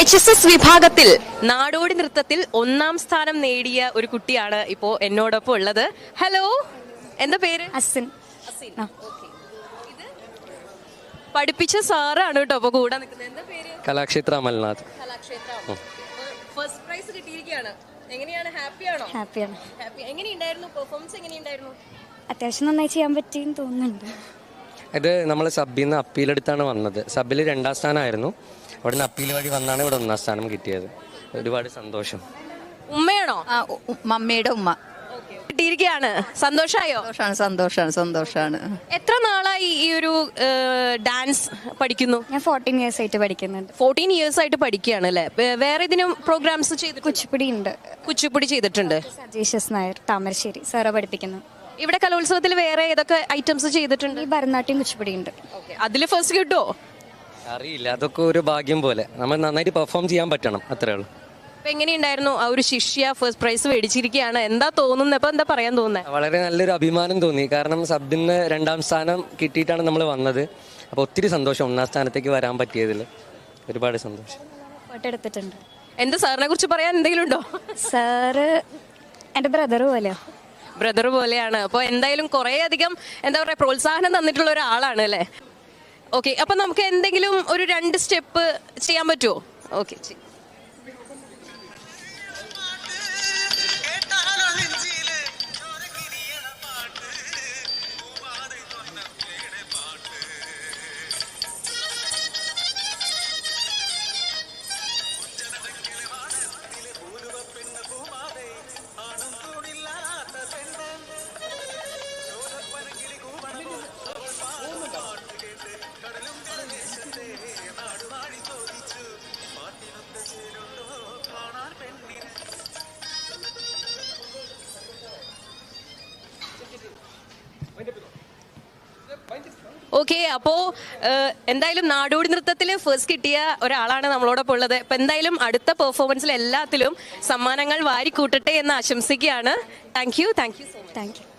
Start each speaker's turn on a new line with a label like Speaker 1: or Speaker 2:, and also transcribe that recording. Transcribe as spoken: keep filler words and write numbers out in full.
Speaker 1: H S S വിഭാഗത്തിൽ നാടോടി നൃത്തത്തിൽ ഒന്നാം സ്ഥാനം നേടിയ ഒരു കുട്ടിയാണ് ഇപ്പോ എന്നോടൊപ്പം ഉള്ളത്. ഹലോ, എന്താ പേര്?
Speaker 2: അസിൻ.
Speaker 1: അസിൻ. Okay. ഇത് പഠിപ്പിച്ച സാറാണ് കേട്ടോ അപ്പൊ കൂടെ നിൽക്കുന്നത്. എന്താ പേര്?
Speaker 3: കലാക്ഷേത്ര അമൽനാഥ്.
Speaker 1: കലാക്ഷേത്ര. ഫസ്റ്റ് പ്രൈസ് കിട്ടിയിരിക്കുകയാണ്. എങ്ങനെയാണ്? ഹാപ്പി ആണോ?
Speaker 2: ഹാപ്പിയാണ്.
Speaker 1: ഹാപ്പി. എങ്ങനെയുണ്ടായിരുന്നു പെർഫോമൻസ്? എങ്ങനെയുണ്ടായിരുന്നു?
Speaker 2: അത്യാവശ്യം നന്നായി ചെയ്യാൻ പറ്റിയെന്ന് തോന്നുന്നുണ്ട്.
Speaker 3: ഇത് നമ്മൾ സബിൽ നിന്ന് അപ്പീലെടുത്താണ് വന്നത്. സബിൽ രണ്ടാം സ്ഥാനമായിരുന്നു. അവിടെ നിന്ന് അപ്പീൽ വഴി വന്നാണ് ഇവിടെ ഒന്നാം സ്ഥാനം കിട്ടിയത്. ഒരുപാട് സന്തോഷം.
Speaker 1: ഉമ്മയാണോ?
Speaker 4: ആ ഉ- മമ്മിയുടെ ഉമ്മ.
Speaker 1: കിട്ടിയിരിക്കുകയാണ്. സന്തോഷായോ?
Speaker 4: സന്തോഷാണ് സന്തോഷാണ് സന്തോഷാണ്
Speaker 1: എത്ര നാളായി ഈ ഒരു ഡാൻസ് പഠിക്കുന്നു?
Speaker 2: ഞാൻ ഫോർട്ടീൻ ഇയേഴ്സ് ആയിട്ട് പഠിക്കുന്നുണ്ട്.
Speaker 1: ഫോർട്ടീൻ ഇയേഴ്സ് ആയിട്ട് പഠിക്കുകയാണ് അല്ലേ? വേ- വേറെ ഇതിനും പ്രോഗ്രാംസ് ചെയ്തിട്ട്
Speaker 2: കുച്ചിപ്പുടി ഉണ്ട്.
Speaker 1: കുച്ചിപ്പുടി ചെയ്തിട്ടുണ്ട്.
Speaker 2: സജീഷസ് നായർ താമരശ്ശേരി സാറ് പഠിപ്പിക്കുന്നു.
Speaker 1: ഇവിടെ കലോത്സവത്തിൽ വേറെ ഏതൊക്കെ ഐറ്റംസ് ചെയ്തിട്ടുണ്ട്?
Speaker 2: ഈ ഭരതനാട്യം കുച്ചിപ്പുടി ഉണ്ട്.
Speaker 1: അതിൽ ഫസ്റ്റ് കിട്ടുമോ?
Speaker 3: അറിയില്ല, അതൊക്കെ ഒരു ഭാഗ്യം പോലെ. നമ്മൾ നന്നായിട്ട് പെർഫോം ചെയ്യാൻ പറ്റണം, അത്രേ ഉള്ളൂ.
Speaker 1: അപ്പൊ എങ്ങനെയുണ്ടായിരുന്നു ആ ഒരു ശിഷ്യ ഫസ്റ്റ് പ്രൈസ് മേടിച്ചിരിക്കുകയാണ്? എന്താ തോന്നുന്നത്? അപ്പൊ എന്താ പറയാൻ തോന്നുന്നത്?
Speaker 3: വളരെ നല്ലൊരു അഭിമാനം തോന്നി. കാരണം സബിന് രണ്ടാം സ്ഥാനം കിട്ടിയിട്ടാണ് നമ്മൾ വന്നത്. അപ്പോൾ ഒത്തിരി സന്തോഷം ഒന്നാം സ്ഥാനത്തേക്ക് വരാൻ പറ്റിയതിൽ. ഒരുപാട് സന്തോഷം.
Speaker 2: ഫോട്ടോ എടുത്തിട്ടുണ്ട്.
Speaker 1: എന്താ സാറിനെ കുറിച്ച് പറയാൻ എന്തെങ്കിലും ഉണ്ടോ?
Speaker 2: സാറ് എൻ്റെ ബ്രദർ പോലെയോ.
Speaker 1: ബ്രദർ പോലെയാണ്. അപ്പോൾ എന്തായാലും കുറേ അധികം എന്താ പറയുക പ്രോത്സാഹനം തന്നിട്ടുള്ള ഒരാളാണ് അല്ലേ? ഓക്കെ, അപ്പം നമുക്ക് എന്തെങ്കിലും ഒരു രണ്ട് സ്റ്റെപ്പ് ചെയ്യാൻ പറ്റുമോ? ഓക്കെ. ഓക്കെ, അപ്പോ എന്തായാലും നാടോടി നൃത്തത്തിൽ ഫസ്റ്റ് കിട്ടിയ ഒരാളാണ് നമ്മളോടൊപ്പം ഉള്ളത്. അപ്പൊ എന്തായാലും അടുത്ത പെർഫോമൻസിൽ എല്ലാത്തിലും സമ്മാനങ്ങൾ വാരിക്കൂട്ടട്ടെ എന്ന് ആശംസിക്കുകയാണ്. Thank you thank you so much.
Speaker 2: Thank U.